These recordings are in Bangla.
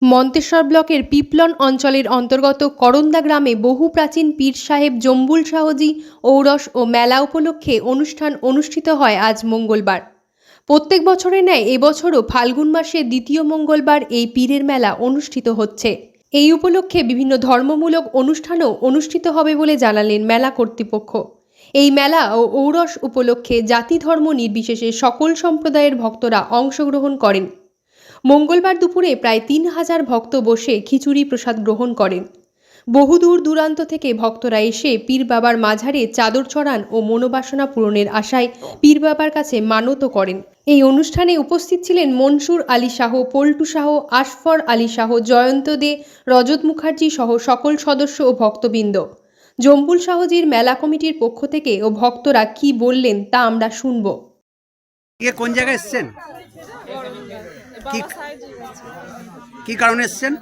মন্তেশ্বর ব্লকের পিপলন অঞ্চলের অন্তর্গত করন্দা গ্রামে বহু প্রাচীন পীর সাহেব জম্বুল শাহজি ঔরস ও মেলা উপলক্ষে অনুষ্ঠান অনুষ্ঠিত হয় আজ মঙ্গলবার। প্রত্যেক বছরের ন্যায় এবছরও ফাল্গুন মাসের দ্বিতীয় মঙ্গলবার এই পীরের মেলা অনুষ্ঠিত হচ্ছে। এই উপলক্ষে বিভিন্ন ধর্মমূলক অনুষ্ঠানও অনুষ্ঠিত হবে বলে জানালেন মেলা কর্তৃপক্ষ। এই মেলা ও ঔরস উপলক্ষে জাতি ধর্ম নির্বিশেষে সকল সম্প্রদায়ের ভক্তরা অংশগ্রহণ করেন। মঙ্গলবার দুপুরে প্রায় ৩,০০০ ভক্ত বসে খিচুড়ি প্রসাদ গ্রহণ করেন। বহু দূর দূরান্ত থেকে ভক্তরা এসে পীর বাবার মাঝারে চাদর চড়ান ও মনোবাসনা পূরণের আশায় পীর বাবার কাছে মানত করেন। এই অনুষ্ঠানে উপস্থিত ছিলেন মনসুর আলী শাহ, পল্টু শাহ, আশফর আলী শাহ, জয়ন্ত দে, রজত মুখার্জি সহ সকল সদস্য ও ভক্তবৃন্দ। জম্বুল শাহজির মেলা কমিটির পক্ষ থেকে ও ভক্তরা কি বললেন তা আমরা শুনব। কোন জায়গায় এসেছেন? কি কারণে এসেছেন?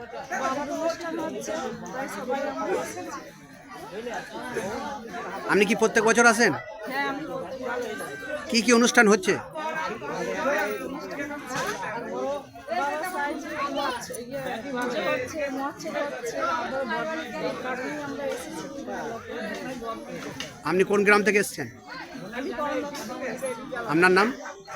আপনি কি প্রত্যেক বছর আসেন? কি কি অনুষ্ঠান হচ্ছে? আপনি কোন গ্রাম থেকে এসেছেন? আপনার নাম?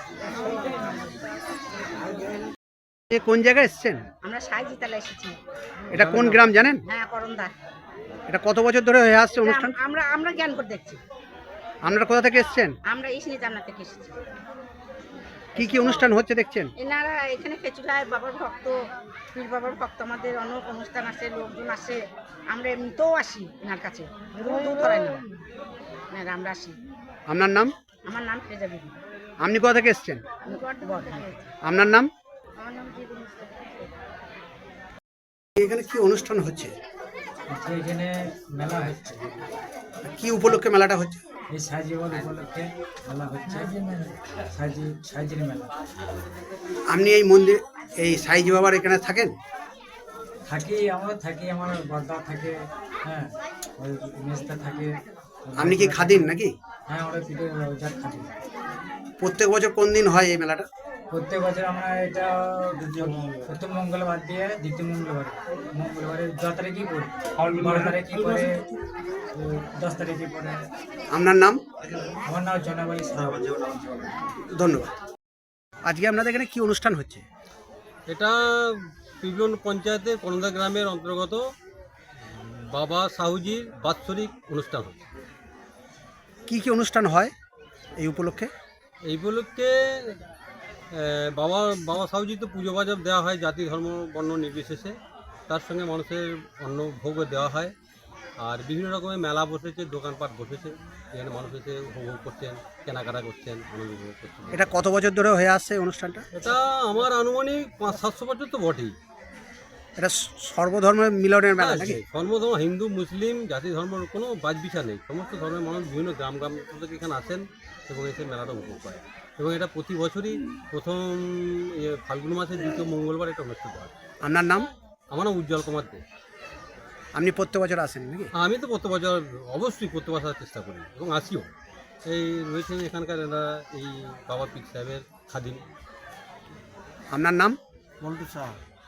কোন জায়গায় এসেছেন? আমরা সাইজিতালা এসেছি। এটা কোন গ্রাম জানেন? হ্যাঁ, করন্দা। এটা কত বছর ধরে হয়ে আসছে অনুষ্ঠান? আমরা জ্ঞান করে দেখছি। আপনারা কোথা থেকে এসেছেন? আমরা ইসনি জান্নাত থেকে এসেছি। কি কি অনুষ্ঠান হচ্ছে দেখছেন? এনারা এখানে খেচুড়ায় বাবার ভক্ত, পীর বাবার ভক্ত, আমাদের অনেক অনুষ্ঠান আসে, লোকজন আসে। আমরা এমনিতেও আসি এনার কাছে, দূর ধরাই না, আমরা আসি। আপনার নাম? আমার নাম ফেজা বিবি। আপনি কোথা থেকে এসেছেন? আপনার নাম? আমার নাম জীবন। এখানে কি অনুষ্ঠান হচ্ছে? এখানে মেলা হচ্ছে। কি উপলক্ষে মেলাটা হচ্ছে? এই সাইজিবল উপলক্ষে মেলা হচ্ছে। সাইজির মেলা। আপনি এই মন্দির, এই সাইজি বাবার এখানে থাকেন? আমরা থাকি, আমার বর্দা থাকে, হ্যাঁ, ওই মেজদা থাকে। আপনি কি খাদিন নাকি? হ্যাঁ, আমরা পিঠে রোজার খাদি। প্রত্যেক বছর কোন দিন হয় এই মেলাটা? প্রত্যেক বছর আমরা এটা প্রথম মঙ্গলবার দিয়ে দ্বিতীয় মঙ্গলবারে 10 তারিখই করি, 12 তারিখই করে, 10 তারিখই পরে। আপনার নাম? আমার নাম জনাবাড়ি সাহেব। ধন্যবাদ। আজকে আপনাদের এখানে কি অনুষ্ঠান হচ্ছে? এটা পিপলন পঞ্চায়েতের করন্দা গ্রামের অন্তর্গত বাবা সাহুজির বাৎসরিক অনুষ্ঠান হচ্ছে। কি কি অনুষ্ঠান হয় এই উপলক্ষে? এই উপলক্ষে বাবা সাহুজি তো পুজো বাজার দেওয়া হয় জাতি ধর্ম বর্ণ নির্বিশেষে, তার সঙ্গে মানুষের অন্ন ভোগও দেওয়া হয়। আর বিভিন্ন রকমের মেলা বসেছে, দোকানপাট বসেছে, এখানে মানুষ এসে উপভোগ করছেন, কেনাকাটা করছেন, আনন্দ উপভোগ করছেন। এটা কত বছর ধরে হয়ে আসছে এই অনুষ্ঠানটা? এটা আমার আনুমানিক 500-700 বছর তো বটেই। এটা সর্বধর্মের মিলনের মেলা নাকি? ধর্ম, হিন্দু মুসলিম জাতি ধর্মের কোনো বাছবিচার নেই, সমস্ত ধর্মের মানুষ বিভিন্ন গ্রাম থেকে এখানে আসেন এবং এসে মেলাটা উপভোগ করে। এবং এটা প্রতি বছরই প্রথম ফাল্গুন মাসের দ্বিতীয় মঙ্গলবার এটা অনুষ্ঠিত হয়। আপনার নাম? আমার নাম উজ্জ্বল কুমার দে। আপনি প্রত্যেক বছর আসেন নাকি? আমি তো প্রত্যেক বছর অবশ্যই প্রত্যেক বছর আসার চেষ্টা করি এবং আসিও। এই রয়েছেন এখানকার এরা এই বাবা পীর সাহেবের খাদিম। আপনার নাম? পল্টু শাহ।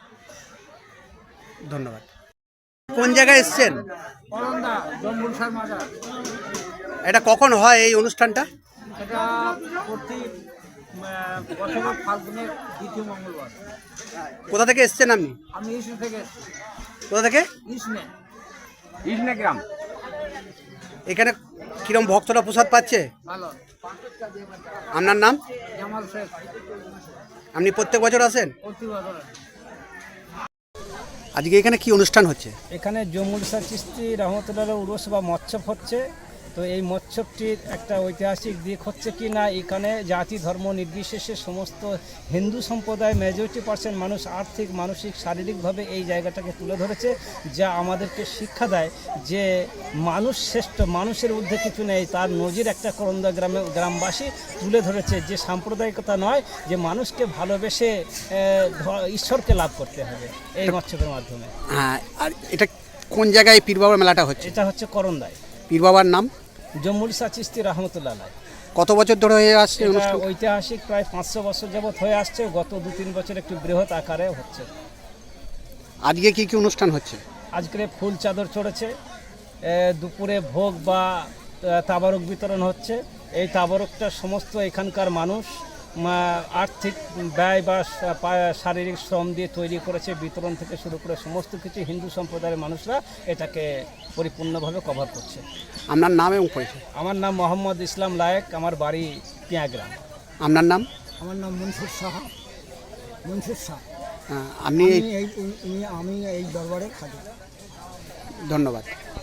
ধন্যবাদ। কোন জায়গায় এসেছেন? করন্দা জম্বুল শাহ মাজার। এটা কখন হয় এই অনুষ্ঠানটা? এটা প্রতি বছরের ফাল্গুনের দ্বিতীয় মঙ্গলবার। কোথা থেকে এসেছেন আপনি? আমি ইসনে থেকে এসেছি। কোথা থেকে? ইসনে গ্রাম। এখানে কিরম ভক্তরা প্রসাদ পাচ্ছে? ভালো। আপনার নাম? জামাল শেখ। আপনি প্রত্যেক বছর আসেন? প্রতি বছর। আজকে এখানে কি অনুষ্ঠান হচ্ছে? এখানে জম্বুল শাহ চিশতি রহমতুল্লাহ উরুস বা মৎস্যব হচ্ছে। তো এই মৎস্যবটির একটা ঐতিহাসিক দিক হচ্ছে কি না, এখানে জাতি ধর্ম নির্বিশেষে সমস্ত হিন্দু সম্প্রদায় মেজরিটি% মানুষ আর্থিক, মানসিক, শারীরিকভাবে এই জায়গাটাকে তুলে ধরেছে, যা আমাদেরকে শিক্ষা দেয় যে মানুষ শ্রেষ্ঠ, মানুষের ঊর্ধ্বে কিছু নেই। তার নজির একটা করন্দা গ্রামবাসী তুলে ধরেছে যে সাম্প্রদায়িকতা নয়, যে মানুষকে ভালোবেসে ঈশ্বরকে লাভ করতে হবে এই মৎস্যবের মাধ্যমে। হ্যাঁ, আর এটা কোন জায়গায় পীর বাবার মেলাটা হচ্ছে? এটা হচ্ছে করন্দায়। পীর বাবার নাম? জম্বুল শাহ চিশতি রহমতুল্লাহ। কত বছর ধরে হয়ে আসছে অনুষ্ঠান? ঐতিহাসিক প্রায় 500 বছর যাবৎ হয়ে আসছে। গত 2-3 বছর একটু বৃহৎ আকারে হচ্ছে। আজকে কি কি অনুষ্ঠান হচ্ছে? আজকে ফুল চাদর চড়েছে, দুপুরে ভোগ বা তাবারক বিতরণ হচ্ছে। এই তাবারকটা সমস্ত এখানকার মানুষ আর্থিক ব্যয় বা শারীরিক শ্রম দিয়ে তৈরি করেছে। বিতরণ থেকে শুরু করে সমস্ত কিছু হিন্দু সম্প্রদায়ের মানুষরা এটাকে পরিপূর্ণভাবে কভার করছে। আপনার নাম এবং পরিচয়? আমার নাম মোহাম্মদ ইসলাম লায়েক, আমার বাড়ি পিয়াগ্রাম। আপনার নাম? আমার নাম মনসুর সাহা, মনসুর শাহ। আপনি আমি এই দরবারে খাদি। ধন্যবাদ।